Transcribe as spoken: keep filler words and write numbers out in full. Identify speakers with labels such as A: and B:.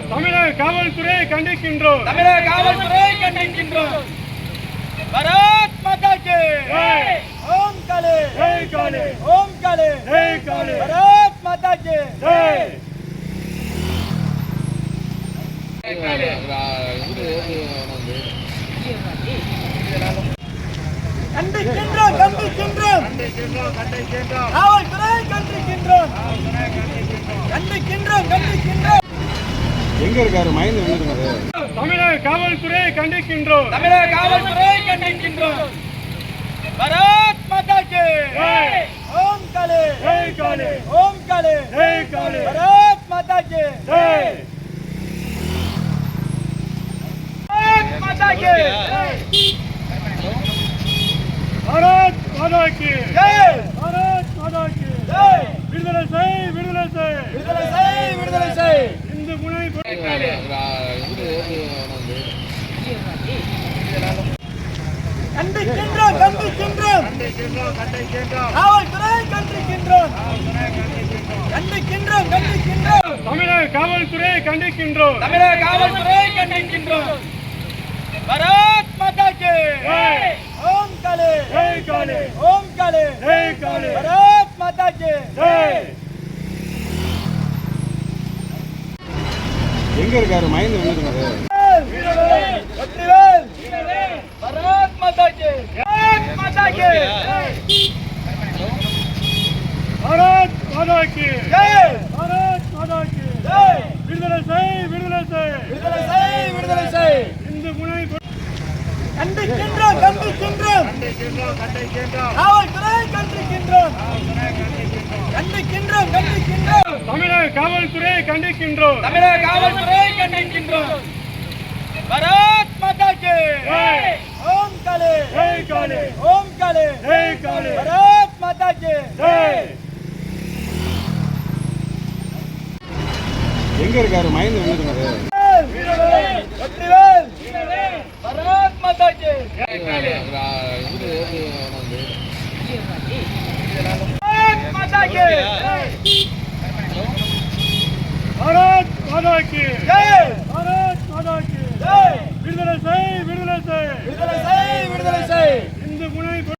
A: தமிழக காவல்துறையை கண்டிக்கின்றோம்.
B: தமிழக காவல்துறையை கண்டிக்கின்றோம். பாரத் மாதா கி
A: ஜெய்.
B: ஓம் காளி
A: ஜெய் காளி.
B: ஓம் காளி
A: ஜெய் காளி.
B: பாரத் மாதா கி
A: ஜெய்.
B: கண்டிக்கின்றோம் கண்டிக்கின்றோம்
A: கண்டிக்கின்றோம்.
B: காவல்துறையை கண்டிக்கின்றோம் கண்டிக்கின்றோம் கண்டிக்கின்றோம்.
C: எங்க இருக்காரு மைண்ட் விழுந்துருக்காரு.
A: தமிழக காவல்துறையை கண்டிக்கின்றோம்.
B: தமிழக காவல்துறையை கண்டிக்கின்றோம். பாரத் மாதா கி
A: ஜெய்.
B: ஓம் காளி
A: ஜெய் காளி.
B: ஓம் காளி
A: ஜெய் காளி.
B: பாரத் மாதா கி
A: ஜெய்.
B: பாரத் மாதா கி
A: பாரத் மாதா கி
B: ஜெய்.
A: பாரத் மாதா கி
B: ஜெய்.
A: விடுதலை செய் விடுதலை செய்.
B: விடுதலை செய் விடுதலை செய்.
A: இந்து முனை
B: கண்டிக்கின்றோம் கண்டிக்கின்றோம்
A: கண்டிக்கின்றோம் கண்டிக்கின்றோம்.
B: காவல்துறையை கண்டிக்கின்றோம் கண்டிக்கின்றோம் கண்டிக்கின்றோம்.
A: தமிழக காவல்துறையை கண்டிக்கின்றோம்.
B: தமிழக காவல்துறையை கண்டிக்கின்றோம். பாரத் மாதா கி
A: ஜெய்.
B: ஓம் காளி
A: ஜெய் காளி.
B: ஓம் காளி
A: ஜெய் காளி.
B: பாரத் மாதா கி
A: ஜெய்.
C: எங்க இருக்காரு மைண்ட் விழுந்துருக்காரு.
B: வெற்றிவேல் பாரத் மாதா கி பாரத் மாதா கி
A: பாரத் மாதா கி
B: ஜெய்.
A: பாரத் மாதா கி
B: ஜெய்.
A: விடுதலை செய் விடுதலை செய்.
B: விடுதலை செய் விடுதலை செய்.
A: இந்து முனை
B: கண்டிக்கின்றோம் கண்டிக்கின்றோம்
A: கண்டிக்கின்றோம் கண்டிக்கின்றோம்.
B: காவல்துறையை கண்டிக்கின்றோம் கண்டிக்கின்றோம் கண்டிக்கின்றோம்.
A: தமிழக காவல்துறையை கண்டிக்கின்றோம்.
B: தமிழக காவல்துறையை கண்டிக்கின்றோம். பாரத் மாதா கி
A: ஜெய்.
B: ஓம் காளி
A: ஜெய் காளி.
B: ஓம் காளி
A: ஜெய் காளி.
B: பாரத் மாதா கி
A: ஜெய்.
C: எங்க இருக்காரு மைண்ட் விழுந்துருக்காரு.
B: வெற்றிவேல் பாரத் மாதா கி பாரத் மாதா கி
A: பாரத் மாதா கி
B: ஜெய்.
A: பாரத் மாதா கி
B: ஜெய்.
A: விடுதலை செய் விடுதலை செய்.
B: விடுதலை செய் விடுதலை செய்.
A: இந்து முனை